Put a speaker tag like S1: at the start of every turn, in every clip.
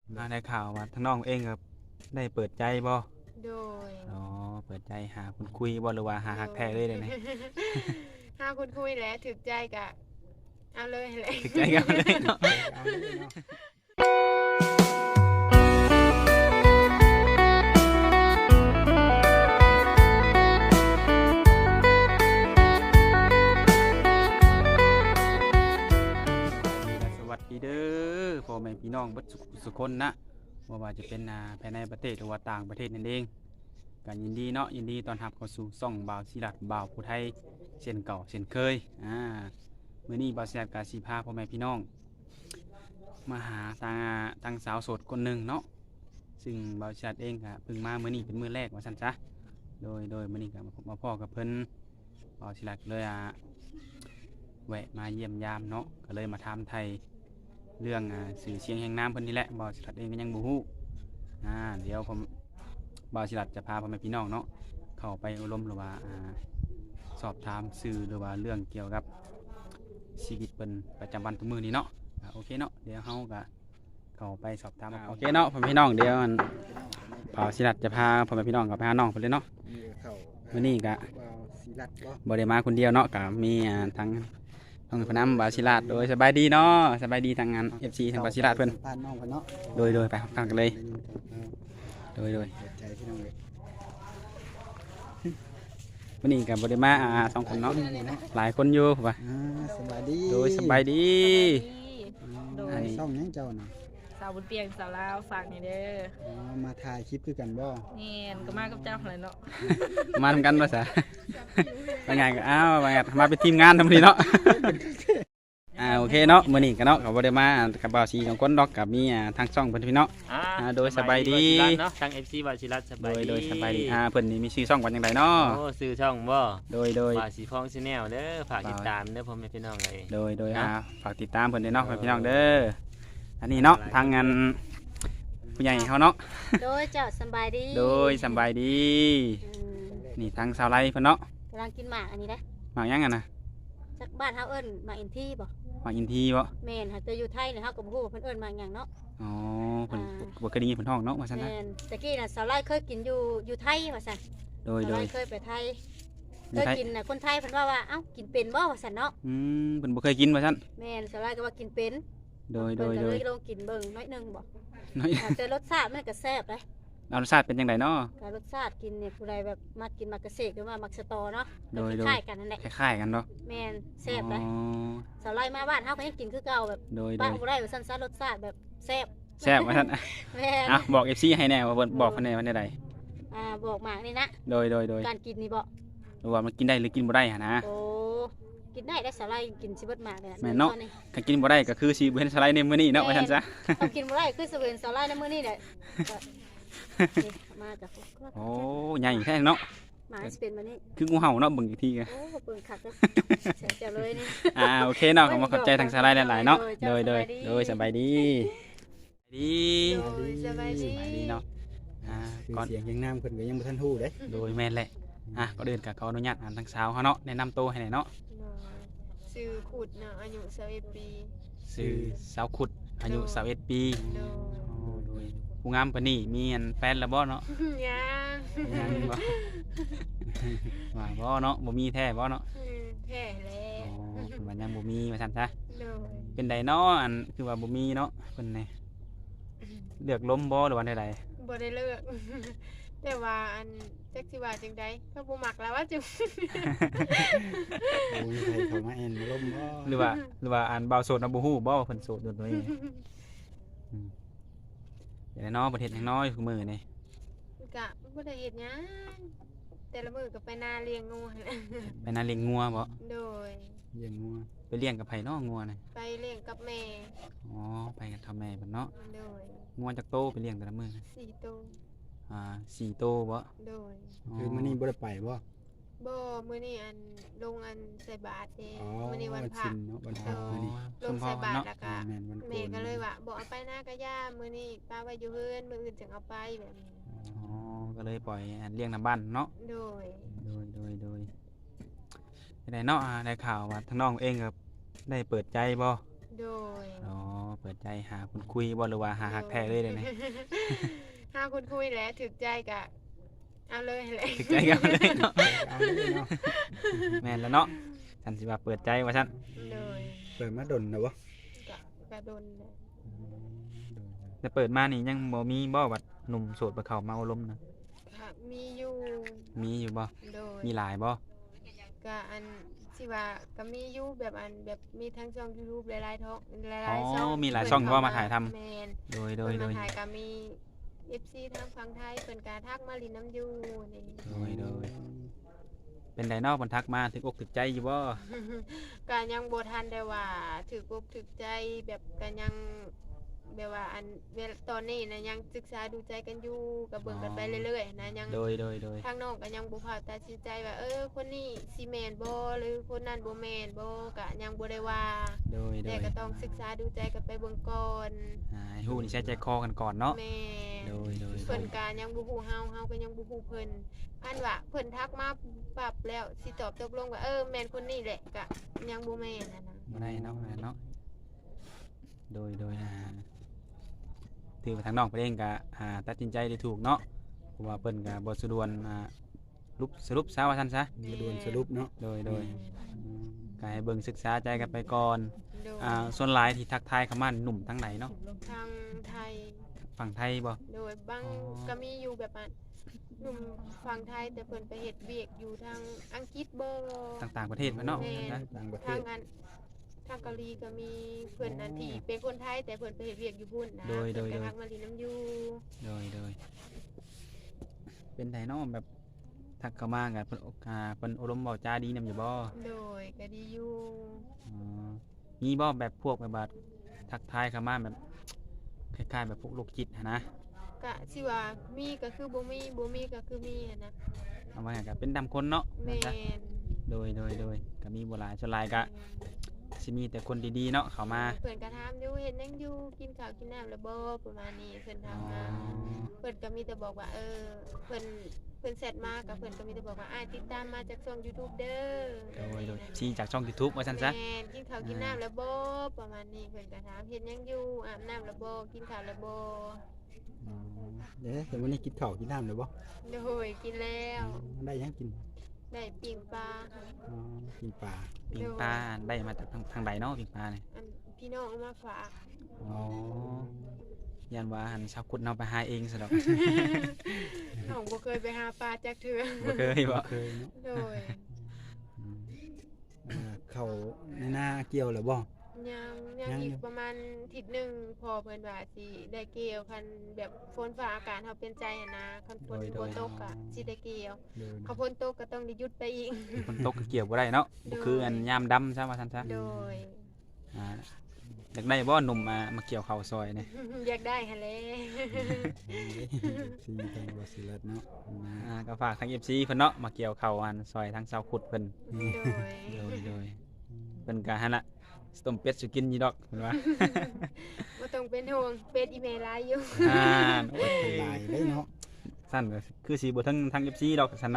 S1: ได้ข่าวว่าทั้งน้องเองครับได้เปิดใจบ่
S2: โดย
S1: อ๋อเปิดใจหาคนคุยบ่หรือว่าหาฮักแท้เลยเดี๋ยวนี้
S2: ถ้าคุณคุยแล้วถึกใจกะเอาเลยแหละ
S1: ถึกใจกันเลยเนาะ
S3: เอาเลยเนาะ
S1: สวัสดีเด้อพ่อแม่พี่น้องเบัดสุขคนนะว่าจะเป็นภายในประเทศหรือว่าต่างประเทศนั่นเองกันยินดีเนาะยินดีตอนรับเข้าสู่ช่องบ่าวศิลัดบ่าวผู้ไทยเช่นเก่าเช่นเคยมื้อนี้บ่าวศิลัดกาสีพาพ่อแม่พี่น้องมาหาทางสาวโสดคนหนึ่งเนาะซึ่งบ่าวศิลัดเองก็เพิ่งมามื้อนี้เป็นมื้อแรกว่าซั่นซะโดยมื้อนี้ก็มาพ่อกับเพิ่นบ่าวศิลัดเลยแวะมาเยี่ยมยามเนาะก็เลยมาถามไทยเรื่องสื่อเสียงแห่งน้ำเพิ่นนี่แหละบ่าวศิลัดเองก็ยังบ่ฮู้เดี๋ยวผมบ่าวศิลัดจะพาพ่อแม่พี่น้องเนาะเข้าไปอบรมหรือว่าสอบถามสื่อหรือว่าเรื่องเกี่ยวกับชีวิตเพิ่นประจำวันทุกมื้อนี้เนาะโอเคเนาะเดี๋ยวเฮาก็เข้าไปสอบถามโอเคเนาะพ่อแม่พี่น้องเดี๋ยวบ่าวศิลัดจะพาพ่อแม่พี่น้องกับไปหาน้องเพิ่นเลยเนาะ
S3: นี่เข้า
S1: มื้อนี้ก็
S3: ว่าวศิลัดบ่
S1: บ่ได้มาคนเดียวเนาะก็มีทั้งน้องพนำบาศิลาดโดยสบายดีเนาะสบายดีทางงาน FC ทางบาศิลาดเพิ่น
S3: สัมภาษณ์น้องเพิ่นเนาะ
S1: โดยไปฟังกันเลย โดย
S3: เปิดใจพี่น้องเลย
S1: วันนี้ก็บ่ได้มาสองคนเนาะหลายคนอยู่ว่า
S3: สบายดี
S1: โดยสบายดี
S3: โด
S1: อั
S3: ย
S1: นนี้
S3: ช่องยังเจ้าน่ะ
S4: สาวบุญเปียงสาวลาวฝากนี่เด้อ
S3: มาถ่ายคลิปคือกันบ่
S4: นี่ก็มากับเจ้าเลยเนาะ
S1: มาทำกันภาษาว่าไงก็ว่าไงมาเป็นทีมงานทำดีเนาะโอเคเนาะมื้อนี้ก็เนาะก็บ่ได้มากับบ่าวสีสองคนดอกกับมีทางช่องเพิ่นพี่เนาะ โดยสบายดี
S5: เนาะทาง FC วาชิรัตสบายดี
S1: โดยสบายดีเพิ่นนี่มีชื่อช่องว่าจังไดเนาะ
S5: โอ้ซื้อช่องบ่
S1: โดย
S5: วาสีพองชาแนลเด้อฝากติดตามเด้อพ่อแม่พี่น้องเลย
S1: โดยฝากติดตามเพิ่นด้วยเนาะพี่น้องเด้ออันนี้เนาะทางงานผู้ใหญ่เขาเนาะ
S6: โดยเจ้าสำบายดี
S1: โดยสำบายดี
S6: อืม
S1: นี่ทางสาวไร่เพิ่นเนาะ
S6: กำลังกินหมากอันนี้นะ
S1: หมากยังนะ
S6: จากบ้านเฮาเอิ้นหมากอินทีบ่
S1: หมากอินทีบ่
S6: แม่นหาแต่อยู่ไทยเนี่ยเฮาก็บ่ฮู้ว่าเพิ่นเอิ้นหมากหยังเนาะ
S1: อ๋อเพิ่นบ่เคยได้ยินเพิ่นท้องเนาะว่าซั่นนะ
S6: แม่นตะกี้น่ะสาวไร่เคยกินอยู่ไทยว่าซั่น
S1: โด
S6: สาวย ไร่เคยไปไทยเคยกินน่ะคนไทยเพิ่นว่าเอ้ากินเป็นบ่ว่าซั่นเนาะ
S1: เพิ่นบ่เคยกินว่าซั่น
S6: แม่นสาวไร่ก็ว่ากินเป็น
S1: โดย
S6: เพิ่นก็เลยลองกินเบิ่งน้อยหนึงบ่
S1: น้อย
S6: แต่รสชาติมันก็แซ่บเด้
S1: รสชาติเป็นจังไดเนาะ
S6: ก็รสชาติกินเนี่ยผู้ใดแบบมักกินมักเกษตรหรือว่ามักสตอเนาะ
S1: โดย
S6: คล้ายๆกันนั่นแหละ
S1: คล้ายๆกันเนาะ
S6: แม่นแซ่บเด้
S1: อ๋อ
S6: สาวไร่มาบ้านเฮาก็ยังกินคือเก่าแบบ
S1: โดย
S6: ป้าบ่ได้ว่าซั่นซะรสชาติแบบแซ่บ
S1: แซ่บว่าซั่น
S6: แม่น
S1: บอก FC ให้แน่ว่าเพิ่นบอกเพิ่นแน่ว่าใด
S6: บอกหมากนี่นะ
S1: โดย
S6: การกินนี่บ่
S1: หรือว่ามันกินได้หรือกินบ่ได้หั่นนะ
S6: โอ้กินได้ได้สาหร่ายกินสิเบิดหมากเลย
S1: แม่นเนาะ ถ้ากินบ่ได้ก็คือสิบ่เห็นสไลด์ในมื้อนี้เนาะว่าซั่นซะ
S6: เอากินบ่ได้คือสิเห็นสาหร่ายในมื้อนี้แหละนี่มาจาก
S1: โอ้ใหญ่แท้เนาะ
S6: หมาสิเป็นมานี่
S1: คืองูเห่าเนาะเบิ่งอีกทีก็
S6: โอ้เปิ่งคักเลยเสียเลยนี่
S1: โอเคเนาะขอขอบใจทางสไลด์หลายๆเนาะโดยสบายดีดี
S2: โดยสบายดี
S1: สบายดีเนาะ
S3: คือ
S1: ก่อน
S3: เสียงยังน้ำเพิ่นก็ยังบ่ทันฮู้เด้
S1: โดยแม่นแหละก็เดินกับขออนุญาตทางสาวเขาเนาะแนะนำตัวให้หน่อยเนาะ
S2: ซื้อขุดเนาะอายุ21ปี
S1: ชื่อสาวขุดอายุ21ปี
S2: โด
S1: โดยผู้งามปานนี้มีแฟนแล้วบ่เนาะ
S2: ยยัง
S1: ยังบ่ว่าบ่เนาะบ่มีแท้บ่เนาะ
S2: แท้แล้ว
S1: มันยังบ่มีว่าซั่นซะ
S2: โดย
S1: เป็นไดเนาะคือว่าบ่มีเนาะเพิ่นนี่เลือกล้มบ่หรือว่าใด
S2: บ่ได้เลิก แต่ว่าจักสิว่าจังไดเขาบ่มักแล้วว่าจัง
S3: โอ้ยใครเข้ามาแอนมาล้มบ่
S1: หรือว่าบ่าวโสดน่ะบ่ฮู้บ่ว่าเพิ่นโสดอยู่ตัวเองเดี๋ยวเนาะประเทศยังน้อยคือมื้อนี่
S2: กะบ่ได้เฮ็ดหยังแต่ละมื้อก็ไปนาเลี้ยงงูหั่นแหละ
S1: ไปนาเลี้ยงงัวบ่
S2: โดย
S3: เลี้ยงงัว
S1: ไปเลี้ยงกับไผเนาะงัวน่ะ
S2: ไปเลี้ยงกับแม่
S1: อ๋อไปกับพ่อแม่เพิ่นเนาะ
S2: โดย
S1: งัวจักโตไปเลี้ยงแต่ละมื้อนะ
S2: 4ตัว
S1: 4โตบ่
S2: โดย
S3: คือมื้อนี้บ่ได้ไปบ่
S2: บ่มื้อนี้ลงใส่บาตรเด้
S3: อ๋อ
S2: มื้อนี้วันพระ
S3: ชินเนาะวันพระมื้อนี้
S2: ลงใส่บาตรแล้วก็
S3: แม่นวันโกน
S2: แม่ก็เลยว่าบ่เอาไปหน้ากะย่ามื้อนี้ป้าไว้อยู่เฮือนมื้ออื่นจึงเอาไปแบบนี้
S1: อ๋อก็เลยปล่อยเลี้ยงนำบ้านเนาะ
S2: โดย
S1: โดยได้เนาะได้ข่าวว่าทั้งน้องเองก็ได้เปิดใจบ่
S2: โดย
S1: อ๋อเปิดใจหาคนคุยบ่หรือว่าหาฮักแท้เลยเลยนะ
S2: หาคนคุยแล้วถึกใจกะเอาเลยแหละ
S1: ถึกใจกันเลยเนาะ
S3: เอาเลยเนาะ
S1: แม่นแล้วเนาะฉันสิว่าเปิดใจว่าซั่น
S2: โดย
S3: เปิดมาดนนะบ่
S2: กะโดนแหละ
S1: แต่เปิดมานี่ยังบ่มีบ่ว่าหนุ่มโสดบ่เข้ามาเอารมณ์นะ
S2: ค่ะมีอยู่
S1: มีอยู่บ่
S2: โดย
S1: มีหลายบ่
S2: กะอันที่ว่าก็มีอยู่แบบอันแบบมีทั้งช่อง YouTube หลายๆท้องห
S1: อ๋
S2: ลายๆช่อง
S1: อมีหลายช่องว่ามาถ่ายทำ
S2: แม่น
S1: โดย
S2: เพิ่น
S1: โด
S2: มาย ถ่ายก็มี FC ทางฝั่งไทยเพิ่นก็ทักมาลินน้ำอยู่นี่
S1: โดยเป็นไดเนาะเพิ่นทักมาถึกอกถึกใจอยู่บ่
S2: ก็ยังบ่ทันได้ว่าถูกอกถูกใจแบบก็ยังแบบว่าอันเวลาตอนนี้นะยังศึกษาดูใจกันอยู่ก็เบิ่งกันไปเรื่อยๆนะยัง
S1: โดย
S2: ทางน้องก็ยังบ่พาตัดสินใจว่าคนนี้สิแม่นบ่หรือคนนั้นบ่แม่นบ่ก็ยังบ่ได้ว่า
S1: โดย
S2: แต่ก็ต้องศึกษาดูใจกันไปเบิ่งก่อน
S1: ให้ฮู้นี่ใช้ใจคอกันก่อนเนาะ
S2: แม่น
S1: โดย
S2: เพิ่นก็ยังบ่ฮู้เฮาก็ยังบ่ฮู้เพิ่นอันว่าเพิ่นทักมาปรับแล้วสิตอบตกลงว่าแม่นคนนี้แหละก็ยังบ่แม่นนะ
S1: บ่ได้เนาะเนาะโดยถือว่าทางน้องเพิ่นเองก็ตัดสินใจได้ถูกเนาะเพราะว่าเพิ่นก็บ่สะดวนสรุปซะว่าซั่นซะ
S3: มาดวนสรุปเนาะ
S1: โดยก็ให้เบิ่งศึกษาใจกันไปก่อน
S2: โดย
S1: ส่วนหลายที่ทักทายเข้ามาหนุ่มทั้งไหนเนาะ
S2: ทางไทย
S1: ฝั่งไทยบ่
S2: โดยบาง
S1: อ๋อ
S2: ก็มีอยู่แบบหนุ่มฝั่งไทยแต่เพิ่นไปเฮ็ดเวียกอยู่ทางอังกฤษบ่
S1: ต่างประเทศมาเนาะ
S2: แม่
S1: นะ
S3: ต่างประเท
S2: ทาง
S3: ศ
S2: อันทางเกาหลีก็มีเพิ่นอันที่เป็นคนไทยแต่เพิ่นไปเฮ็ดเวียกอยู่พุ่นนะ
S1: โดย
S2: เพิ่นก็ทักมาลินน้ำอยู่
S1: โดยเป็นไดเนาะแบบทักเข้ามากันเพิ่นอารมณ์เว้าจาดีนำอยู่บ่
S2: โดยก็ดีอยู่
S1: อ๋อมีบ่แบบพวกแบบว่าทักทายเข้ามาแบบคล้ายๆแบบพวกโรคจิตหั้นนะ
S2: ก็สิว่ามีก็คือบ่มีบ่มีก็คือมีหันนะ
S1: เอาว่าไงก็เป็นดำคนเนาะ
S2: แม่
S1: จ้ะ
S2: น
S1: โดยก็มีบ่หลายส่วนหลายก็สิมีแต่คนดีๆเนาะเข้ามา
S2: เพิ่นก็ถามอยู่เฮ็ดหยังอยู่กินข้าวกินน้ำแล้วบ่ประมาณนี้เพิ่นถามมา เพิ่นก็มีแต่บอกว่าเพิ่นแซดมากับเพิ่นก็มีแต่บอกว่าติดตามมาจากช่อง YouTube เด้อ
S1: โดยชี้จากช่อง YouTube ว่าซั่นซะ
S2: แม่นกินข้าวกินน้ำแล้วบ่ประมาณนี้เพิ่นก็ถามเฮ็ดหยังอยู่อาบน้ำแล้วบ่กินข้าวแล้วบ่
S3: เดี๋ยวแต่วันนี้กินข้าวกินน้ำเลยบ่
S2: โดยกินแล้ว
S3: ได้ยังกิน
S2: ได้ปิ้งปลา
S3: อ๋อกินปลา
S1: ปิงปลาได้มาจากทางใดเนาะปิงปลาเนี่ย
S2: อันพี่น้องเอามาฝาก
S1: อ๋อยันว่าหันชาวกุดเอาไปหาเองซะดอก
S2: น้องบ่เคยไปหาปลาจักเทื่อ
S1: บ่เคยบ่
S3: เคยเนาะ
S2: โดย
S3: เขาในหน้าเกี่ยวหรือบ่
S2: ยังอีกประมาณอาทิศนึงพอเพิ่นว่าสิได้เกี่ยวคันแบบฝนฟ้าอากาศเฮาเป็นใจหันนะคันฝนบ่ตกก็สิได้เกี่ยว
S3: เดิน
S2: เขาฝนตกก็ต้องได้หยุดไปอีก
S1: ฝนตกก็เกี่ยวบ่ได้เนาะบ่คืออันยามดำซะว่าซั่นซะ
S2: โดย
S1: อ่าอยากได้บ่หนุ่มมาเกี่ยวข้าวซอยนี่
S2: อยากได้หั่นแหละ
S3: สีทางบาสิลัดเนาะ
S1: ก็ฝากทาง FC เพิ่นเนาะมาเกี่ยวข้าวอันซอยทางชาวขุดเพิ่น
S2: โดย
S1: โดยเพิ่นก็หั่นล่ะสต้มเป็ดสิกินอยู่ดอกเพิ่นว่า
S2: บ่ต้องเป็นห่วงเป็ดอีเมลหลายอยู่
S1: โอ้ย
S3: ลายได้เนาะ
S1: สั้นก็คือสิบ่ทั้ง FC ดอกซั่นนะ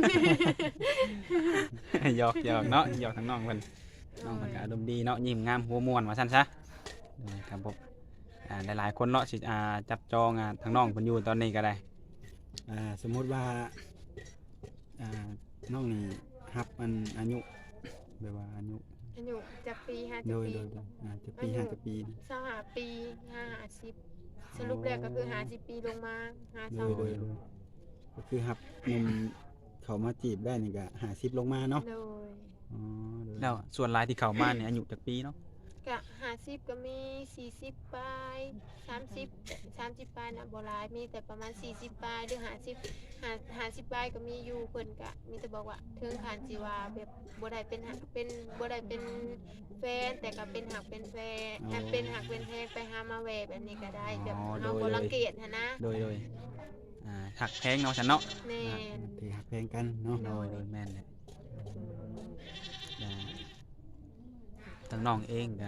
S1: หยอกเนาะหยอกทางน้องเพิ่นน้องเพิ่นก็อารมณ์ดีเนาะยิ้มงามหัวม่วนว่าซั่นซะครับผมหลายๆคนเนาะสิจับจองทางน้องเพิ่นอยู่ตอนนี้ก็ได้
S3: สมมุติว่าน้องนี่ฮับอันอายุแบบว่าอายุ
S2: อายุจากปี
S3: โด
S2: 50
S3: ย
S2: ปี
S3: จะปี5ปี
S2: 25ปี50สรุปแล้วก็คือ50ปีลงมา52
S3: โดยก็คือฮับหนุ่มเขามาจีบได้นี่ก็50ลงมาเนาะ
S2: โดย
S3: อ๋อโดย
S1: แล้วส่วนหลายที่เข้ามาเนี่ยอายุจักปีเนาะ
S2: ก็50ก็มี40ปลาย30ปลายน่ะบ่หลายมีแต่ประมาณ40ปลายหรือ50ปลายก็มีอยู่เพิ่นก็มีแต่บอกว่าถึงขั้นสิว่าแบบบ่ได้เป็นบ่ได้เป็นแฟนแต่ก็เป็นหักเป็นแฟนเป็นหักเป็นแพงไปหามาแหวแบบนี้ก็ได้แบบเฮาบ่รังเกียจหันนะ
S1: โดยหักแพงเนาะฉันเนาะ
S2: แม่น
S3: ถือหักแพงกันเนาะ
S1: โดยแม่นเลยทางน้องเองก็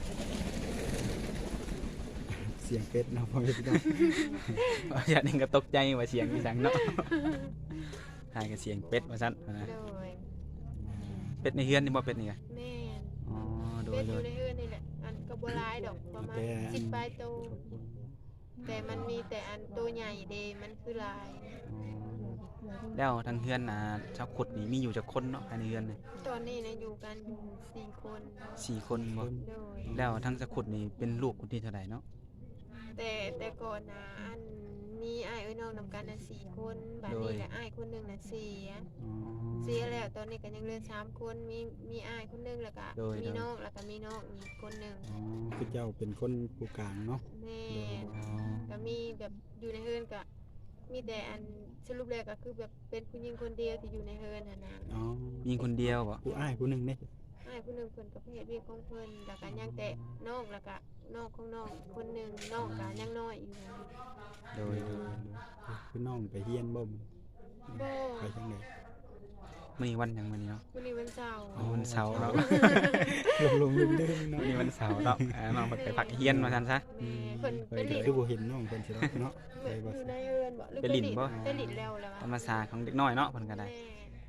S3: เสียงเป็ดเนาะพ่อแม่พี่น้อง
S1: อย่านึงก็ตกใจว่าเสียงอีสังเนาะหายกับเสียงเป็ดว่าซั่นนะ
S2: โดย
S1: เป็ดในเฮือนนี่บ่เป็ดนี่กะ
S2: แม่น
S1: อ๋อโด
S2: เป็
S1: ย
S2: ดอยู่ในเฮือนนี่แหละอันกก็บ่หลายดอกประมาณ
S3: แต่อัน
S2: 10ปลายโตวแต่มันมีแต่อันตัวใหญ่เดมันคือหลาย
S1: อ๋อแล้วทางเฮือนชาวขุดนี่มีอยู่จักคนเนาะภายในเฮือนนี่
S2: ตอนนี้นะอยู่กันอยู่4คน
S1: 4คนบ่
S2: โดย
S1: แล้วทางสะขุดนี่เป็นลูกคนที่เท่าใดเนาะ
S2: แต่ก่อนนะอันมีอ้ายเอ้ยน้องนำกันน่ะ4คนบัดนี้แหละอ้ายคนหนึงน่ะเสีย
S1: อ๋อ
S2: เสียแล้วตอนนี้ก็ยังเหลือ3คนมีอ้ายคนหนึงแล้วก็
S1: โดย
S2: มีน้องแล้วก็มีน้องอีกคนหนึง
S3: อ๋อคือเจ้าเป็นคนผู้กลางเนาะ
S2: แม่น
S1: อ๋อ
S2: ก็มีแบบอยู่ในเฮือนก็มีแต่อันสรุปแล้วก็คือแบบเป็นผู้หญิงคนเดียวที่อยู่ในเฮือนน่ะนะ
S3: อ๋อ
S1: มีคนเดียวบ่
S3: ผู้อ้ายผู้หนึงเด้
S2: อ้ายผู้หนึงเพิ่นก็ไปเฮ็ดเวียกของเพิ่นแล้วก็ยังแต่น้องแล้วก็น้องของน้องคนหนึงน้องก็ยังน้อยอยู่
S1: โดย
S3: คือน้องไปเฮียนบ่
S2: บ่
S3: ไปจังได๋
S1: มื้อนี้วันหยังมื้อนี้เนาะ
S2: วันนี้วันเสาร์
S1: อ๋อวันเสาร์เนาะ
S3: ลงลืมเด้อเนาะ
S1: มื้อนี้วันเสาร์เนาะน้องเพิ่นไปพักเฮียนว่าซั่นซะ
S2: แม่เพิ่น
S3: ไป
S2: ไปหลิน
S3: คือบ่เห็นน้องเพิ่นสิเนาะไปบ่
S2: อยู่ในเฮือนบ่หรือ
S1: ไปหลินบ่
S2: ไปหลินแล้วล่ะ
S1: ธรรมศาสตร์ของเด็กน้อยเนาะเพิ่นก็ได้
S2: แม่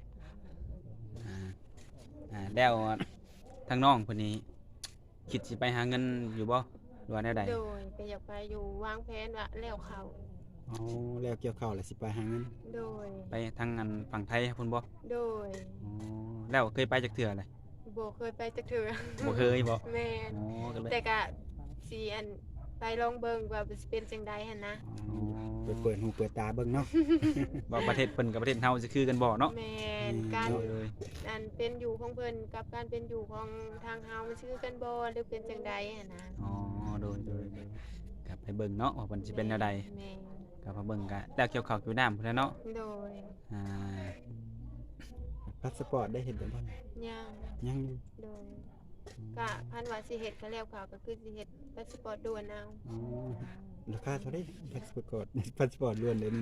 S1: แล้วทางน้องเพิ่นนี่คิดสิไปหาเงินอยู่บ่หรือว่าแนวใด
S2: โดยก็อยากไปอยู่วางแผนว่าแล้วเขา
S3: อ๋อแล้วเกี่ยวข้าวแล้วสิไปหาเงิน
S2: โดย
S1: ไปทางอันฝั่งไทยพุ่นบ่
S2: โดย
S1: อ๋อแล้วเคยไปจักเทื่อเลย
S2: บ่เคยไปจักเทื่อ
S1: บ่เคยบ่
S2: แม่น
S1: อ๋อก็เลย
S2: แต่ก็สิอันไปลองเบิ่งว่าสิเป็นจังใดหั่นนะ
S1: อ๋อ
S3: ไปเปิดหูเปิดตาเบิ่งเนาะ
S1: บ่ประเทศเพิ่นกับประเทศเฮาสิคือกันบ่เนาะ
S2: แม่นการ
S1: โดยโดย
S2: อันเป็นอยู่ของเพิ่นกับการเป็นอยู่ของทางเฮามันชื่อกันบ่หรือเป็นจังใดหั่นนะ
S1: อ๋อโดยกลับไปเบิ่งเนาะว่าเพิ่นสิเป็นแนวใด
S2: แม่น
S1: กลับมาเบิ่งก็แล้วเกี่ยวข้าวเกี่ยวน้ำพุ่นแหล้วเนาะ
S2: โดย
S1: อ่า
S3: พาสปอร์ตได้เห็นบ่บ่
S2: ยัง
S3: ยังอยู่
S2: โดยก็คันว่าสิเฮ็ดก็แล้วเขาก็คือสิเฮ็ดพาสปอร์ตด่วนเอา
S3: อ๋อราคาเท่าไดพาสปอร์ตพาสปอร์ตล้วนเลยนี่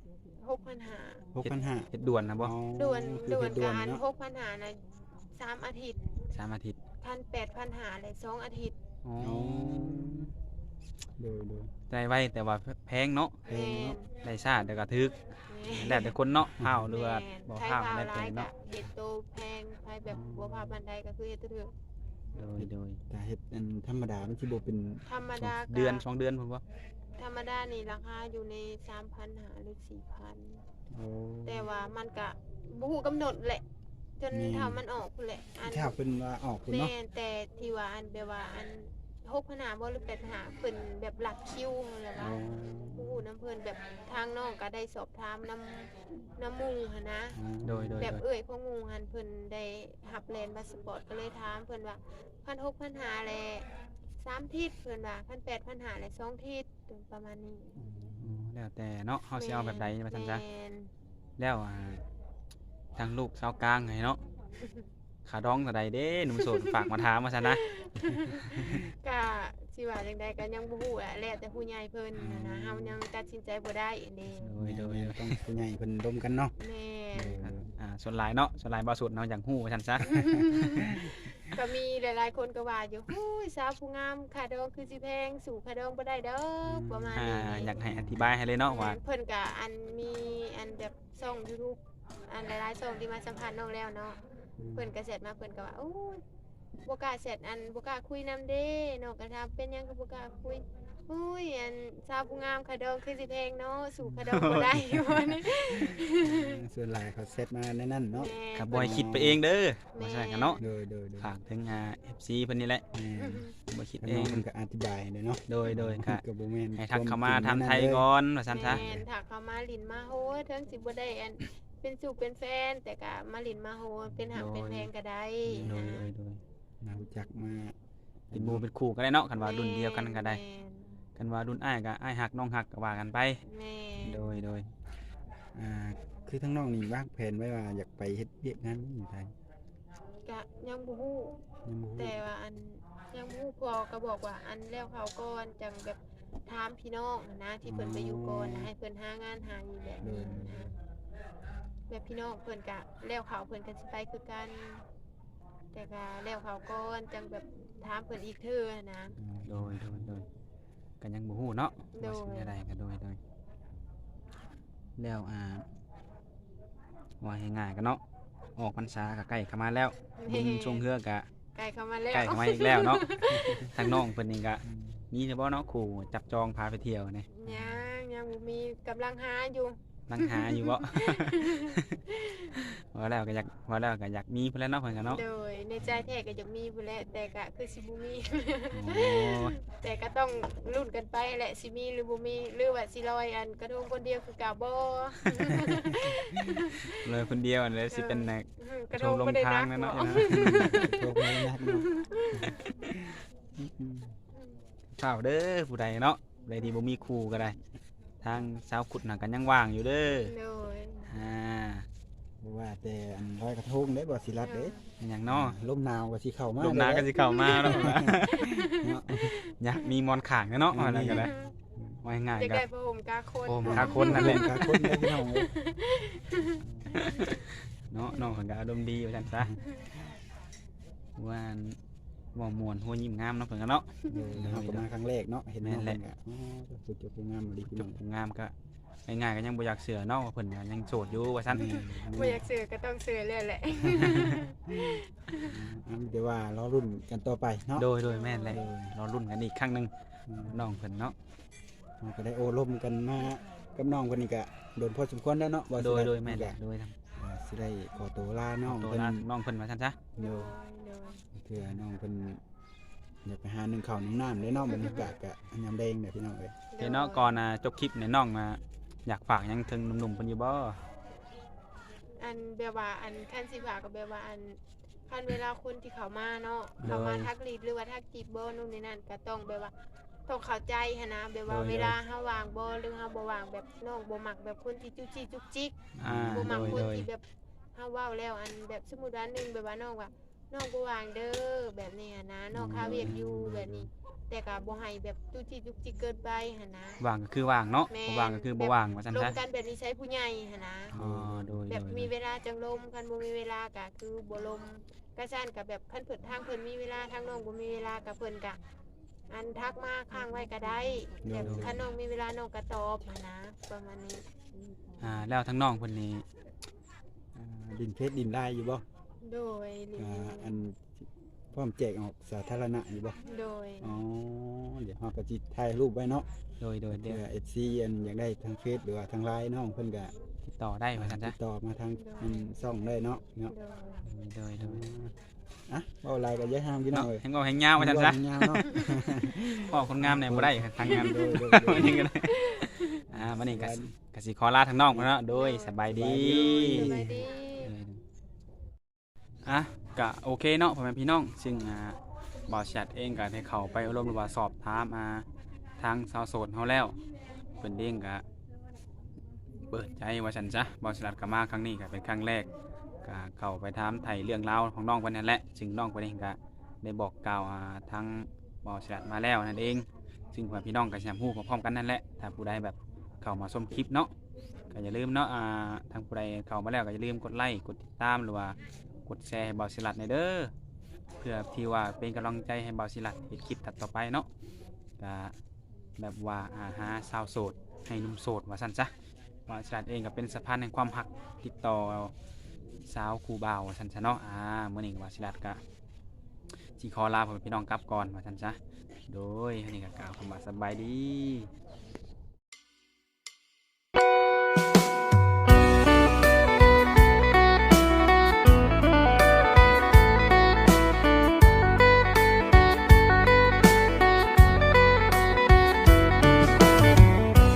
S2: 6,500
S3: 6,500
S1: เฮ็ดด่วนนะบ่
S3: อ๋อ
S2: ด่วน
S3: คือ
S2: ด่ว
S3: เฮ็
S2: น
S3: ดด่วน
S2: การ
S3: เนาะ
S2: 6,500น่ะ3อาทิตย์
S1: 3อาทิตย์
S2: คัน8,500เลย2อาทิตย์
S1: อ๋อ
S3: อ๋อโดย
S1: ได้ไว้แต่ว่าแพงเนาะ
S3: แพงเนาะ
S1: ได้ชาติแต่ก็ถึก
S2: แม่น
S1: แล้วแต่คนเนาะเฮาหรือว่า
S2: แม่น
S1: บ่
S2: ไทย
S1: เฮา
S2: ข่าว
S1: แล้วแต่
S2: ร้ายก็
S1: เนาะ
S2: เฮ็ดโตแพงไผแบบบ่พาปานใดก็คือเฮ็ดถือ
S1: โดย
S3: แต่เฮ็ดอันธรรมดามันสิบ่เป็น
S2: ธรรมดาก็
S1: เดือน2เดือนพุ่นบ่
S2: ธรรมดานี่ราคาอยู่ใน 3,500หรือ 4,000
S3: โอ้
S2: แต่ว่ามันก็บ่ฮู้กำหนดแหละ จน
S3: แม่น
S2: ถ้ามันออกพุ่นแหละอัน
S3: ถ้าเพิ่นว่าออกพุ่น
S2: แม่
S3: เนาะ
S2: นแต่ที่ว่าอันแบบว่าอัน6,500บ่หรือ8,500เพิ่นแบบหลักคิวนั่นแหละ
S3: อ๋
S2: ว่า
S3: อ
S2: ผู้น้ำเพิ่นแบบทางน้องก็ได้สอบถามน้ำมุงหันนะ
S1: โดย
S2: แบบเอ่ยของมุงหันเพิ่นได้หับแลนด์พาสปอร์ตก็เลยถามเพิ่นว่า1,600 1,500แล3ทิศเพิ่นว่า1,800 1,500แล2ทิศประมาณนี้
S1: อืมแล้วแต่เนาะเฮาสิเอาแบบใดว่าซั่นซะ
S2: แม่น
S1: แล้วทางลูกชาวกลางไงเนาะขาดองเท่าใดเด้หนุ่มโสดฝากมาถามว่าซั่นนะ
S2: ก็สิว่าจังใดก็ยังบ่ฮู้แหละแล้วแต่ผู้ใหญ่เพิ่นน่ะนะเฮายังตัดสินใจบ่ได้อันนี้
S1: โดย
S3: ต้องผู้ใหญ่เพิ่นร่วมกันเนาะ
S2: แม่น
S1: ส่วนหลายเนาะส่วนหลายบ่สุดเนาะอย่างฮู้ว่าซั่นซะ
S2: ก็มีหลายๆคนก็ว่าอยู่ฮู้ยสาวผู้งามค่าดองคือสิแพงสู่ค่าดองบ่ได้เด้อประมาณนี้
S1: อยากให้อธิบายให้เลยเนาะว่า
S2: เพิ่นก็อันมีอันแบบช่อง YouTube อันหลายๆช่องที่มาสัมภาษณ์น้องแล้วเนาะเพิ่นก็เสร็จมาเพิ่นก็ว่าโอ้ยบ่กล้าเสร็จอันบ่กล้าคุยนำเด้น้องก็ถามเป็นหยังก็บ่กล้าคุยอุ้ยอันสาวผู้งามค่าดองคือสิแพงเนาะสู่ค่าดองบ่ได้ ว่านี่
S3: ส่วนหลายเขาเซตมาในนั้นเนาะ
S2: แม่
S1: ก็บ่ให้คิดไปเองเด้อว่าซั่นกันเนาะ
S3: โดย
S1: ฝากถึงFC เพิ่นนี่แหละ
S3: แม่
S1: บ่คิด
S3: แล้ว
S1: เอ
S3: น้อง
S1: ง
S3: เพิ่นก็อธิบายเลยเนาะ
S1: โดยก็
S3: ก็บ่แม่น
S1: ให้ทักเข้ามา
S3: คว
S1: ทำ
S3: จริง
S1: ไทย
S3: เลย
S1: ก่อนว่าซั่นซะ
S2: แม่นถ้าเขามาลินมาโหเทิงสิบ่ได้อันเป็นสู่เป็นแฟน แต่ก็มาลินมาโหเป็นหักเป็นแพงก็ได้
S1: โดย
S2: นะ
S3: มารู้จักมา
S1: เป็นหมู่เป็นคู่ก็ได้เนาะคันว่ารุ่นเดียวกันก็ได้
S2: แม่น
S1: กันว่ารุ่นอ้ายก็อ้ายฮักน้องฮักก็ว่ากันไป
S2: แม่น
S1: โดย
S3: อ่าคือทั้งน้องนี่วางแผนไว้ว่าอยากไปเฮ็ดเวียกงานอยู่ไทย
S2: ก็ยังบ่ฮู้
S3: ยังบ่ฮู้
S2: แต่ว่าอันยังบ่ฮู้พอก็บอกว่าอันแล้วเขาก่อนจังแบบถามพี่น้องนะที่เพิ่นไปอยู่ก่อนนะให้เพิ่นหางานหาอยู่แบบนี้นะแบบพี่น้องเพิ่นก็แล้วเขาเพิ่นก็สิไปคือกัน แต่ก็แล้วเขาก่อนจังแบบถามเพิ่นอีกเทื่อนะ
S1: โดยก็ยังบ่ฮู้เนาะ
S2: โดย
S1: ว่าสิได้ก็โดยแล้วว่าให้ง่ายกันเนาะออกพรรษาก็ใกล้เข้ามาแล้วบุญช่วงเฮือก็
S2: ไก่เข้ามาแล้ว
S1: ใกล้เข้ามาอีกแล้วเนาะ ทางน้องเพิ่นนี่ก็มีเฉพาะเนาะคู่จับจองพาไปเที่ยวนี่
S2: ยังบ่มีกำลังหาอยู่
S1: นั่งหาอยู่บ่ ว่าแล้วก็อยากมีเพิ่นแหล้วเนาะเพิ่นก็เนาะ
S2: โดยในใจแท้ก็อยากมีพุ่นแหละแต่ก็คือสิบ่มี
S1: โอ้
S2: แต่ก็ต้องลุ้นกันไปแหละสิมีหรือบ่มีหรือว่าสิลอยอันกระทงคนเดียวคือเก่าบ่
S1: เลยคนเดียวเลยสิเป็นนัก
S2: กระทงบ่ได้นัก
S1: ลงทางนั่นเนาะ
S2: บ่
S3: โทรไปนัดเนาะ
S1: ข้าวเด้อผู้ใดเนาะผู้ใดที่บ่มีคู่ก็ได้ ทางสาวขุดน่ะก็ยังว่างอยู่เด้อ
S2: โดย
S1: อ่า
S3: บ่ว่าแต่อันลอยกระทงเด้บ่สิรัดเด้
S1: เป็นหยังเนาะ
S3: ลมหนาวก็สิเข้ามา
S1: ลมหนาวก็สิเข้ามาเนาะ
S3: เนาะ
S1: อยากมีมอนข้างเนาะว่าแล้วก็ได้ว่าง่าย
S2: อยาก
S1: ๆก็
S2: ได้ผ้าห่มกาคน
S1: โอ้คาคนนั่นแหละ
S3: กาคนเด้อพี่น้องเอ้ย
S1: เนาะน้องเพิ่นก็อารมณ์ดีว่าซั่นซะว่าอันบ่ม่วนหัวยิ้มงามเนาะเพิ่นก็เนาะ
S3: เดี๋ยวเราก็มาครั้งแรกเนาะเห็นน้อง
S1: แม่นแห
S3: เพิ่
S1: ละ
S3: นก็อ๋อสุดยอดงามเลยพี่
S1: จ
S3: น้อง
S1: บงามก็ง่ายๆก็ยังบ่อยากเสือเนาะว่าเพิ่นก็ยังโสดอยู่ว่าซั่น
S2: บ่อยากซื้อก็ต้องซื้อเลยแหละ
S3: อันเดี๋ยวว่ารอรุ่นกันต่อไปเนาะ
S1: โดยแม่นแหละรอรุ่นกันอีกครั้งหนึงน้องเพิ่นเนาะ
S3: เราก็ได้โอ้ลมกันมากับน้องคนนี้ก็โดนพอสมควรแล้วเนาะบ่สิ
S1: โด
S3: ได้
S1: ยแม่นแหละโดยทำ
S3: สิได้ขอตัวลาน้อง
S1: ตัว
S3: เพิ่น
S1: ลาน้องเพิ่นว่าซั่นซะ
S3: เดี๋ยวเพื่อน้องเพิ่นอยากไปหาหนึ่งข้าวหนึ่งน้ำได้เนาะบรรยากาศก็อันยามแดงเนี่ยพี่น้องเอ้ย
S1: เดี๋ยวเนาะก่อนจบคลิปเนี่ยน้องอยากฝากหยังถึงหนุ่มๆเพิ่นอยู่บ่
S2: อันแบบว่าอันคันสิฝากก็แบบว่าอันคันเวลาคนที่เขามาเนาะเขามาทักลีดหรือว่าทักจีบบ่นู่นนี่นั่นก็ต้องแบบว่าต้องเข้าใจหันนะแบบว่าเวลาเฮาวางบ่หรือเฮาบ่วางแบบน้องบ่มักแบบคนที่จุกจิกจุกจิก บ่มักคนที่แบบเฮาเว้าแล้วอันแบบสมมุติว่าหนึงแบบว่าน้องว่าน้องบ่วางเด้อแบบนี้หันนะน้องคาเวียกอยู่แบบนี้ แต่ก็บ่ให้แบบจุกจิกจุกจิกเกินไปหันนะ
S1: ว่างก็คือว่างเนาะ
S2: แม่
S1: บ่ว่างก็คือบ่ว่างว่าซั่น
S2: ล
S1: ซะ
S2: มกันแบบนี้ใช้ผู้ใหญ่หันนะ
S1: อ๋อโดย
S2: แบบมีเวลาจังลมคันบ่มีเวลาก็คือบ่ลมก็ซั่นก็แบบคันเพิ่นทางเพิ่นมีเวลาทางน้องบ่มีเวลาก็เพิ่นก็อันทักมาค้างไว้ก็ได้แบบคันน้องมีเวลาน้องก็ตอบหันนะประมาณนี้
S1: แล้วทั้งน้องเพิ่นนี่
S3: ดินเพชรดินลายอยู่บ่
S2: โดยรีวิว
S3: อันพร้อมแจกออกสาธารณะอยู่บ่
S2: โดย
S3: อ๋อเดี๋ยวเฮาก็สิถ่ายรูปไว้เนาะ
S1: โดย
S3: เพื่
S1: เดี๋ยว
S3: อ FC อันอยากได้ทางเฟซหรือว่าทางไลน์น้องเพิ่นก็
S1: ติดต่อได้ว่าซั่น
S3: ติ
S1: ซะ
S3: ดต่อมาทางอันช่องได้เนาะเนาะ
S2: โดย
S1: โดย
S3: อ่ะเว้าหลายก็อย่าห้ามพี่น้อ
S1: เนาะ
S3: งเอ้ย
S1: แฮงเอาแฮงยาวว่าซั่นซะ
S3: ยาวเนาะ
S1: พ่อคนงามเนี่ยบ่ได้ทางงาน
S3: โดย
S1: วันนี้ก็ได้วันนี้ก็สิขอลาทางน้องพุ่นเนาะโดยสบายดี
S2: สบายดี
S1: ก็โอเคเนาะพ่อแม่พี่น้องซึ่งบ่าวแชทเองก็ได้เข้าไปอบรมหรือว่าสอบถามทางสาวโสดเฮาแล้วเพิ่นเด้งก็เปิดใจว่าซั่นซะบ่าวแชทก็มาครั้งนี้ก็เป็นครั้งแรกก็เข้าไปถามไถ่เรื่องราวของน้องเพิ่นนั่นแหละซึ่งน้องเพิ่นเองก็ได้บอกกล่าวทางบ่าวแชทมาแล้วนั่นเองซึ่งพ่อแม่พี่น้องก็สิฮู้พร้อมๆกันนั่นแหละถ้าผู้ใดแบบเข้ามาชมคลิปเนาะก็อย่าลืมเนาะทางผู้ใดเข้ามาแล้วก็อย่าลืมกดไลค์กดติดตามหรือว่ากดแชร์ให้บ่าวศิลัดในเด้อเพื่อที่ว่าเป็นกำลังใจให้บ่าวศิลัดเฮ็ดคลิปต่อไปเนาะก็แบบว่าหาสาวโสดให้หนุ่มโสดว่าซั่นซะบ่าวศิลัดเองก็เป็นสะพานแห่งความรักติดต่อสาวคู่บ่าวว่าซั่นซะเนาะมื้อนี้บ่าวศิลัดก็สิขอลาพ่อแม่พี่น้องกลับก่อนว่าซั่นซะโดยอันนี้ก็กล่าวคำว่าสบายดี